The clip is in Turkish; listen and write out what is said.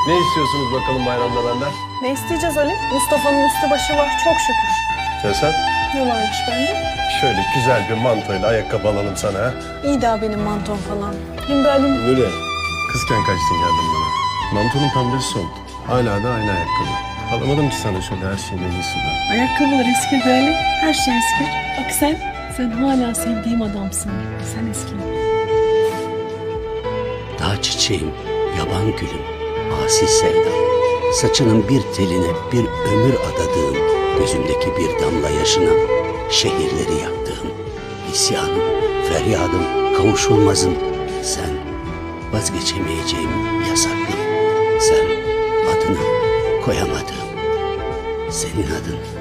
Ne istiyorsunuz bakalım bayramda benden? Ne isteyeceğiz Ali? Mustafa'nın üstü başı var çok şükür. Ya sen? Ne varmış bende? Şöyle güzel bir mantoyla ayakkabı alalım sana ha. İyi daha benim mantom falan. Hem de Ali'm Öyle. Kızken kaçtın geldin bana. Mantonun pembesi soldu. Hala da aynı ayakkabı. Alamadım ki sana şöyle her şeyin en iyisinden. ayakkabılar eski be Ali. Her şey eski. Bak sen hala sevdiğim adamsın. Sen eski. Dağ çiçeğim, yaban gülüm, asi sevdam. Saçının bir teline bir ömür adadığım, gözümdeki bir damla yaşına şehirleri yaktığım. İsyanım, feryadım, kavuşulmazım. Sen vazgeçemeyeceğim yasaklım. Sen adını koyamadığım, senin adın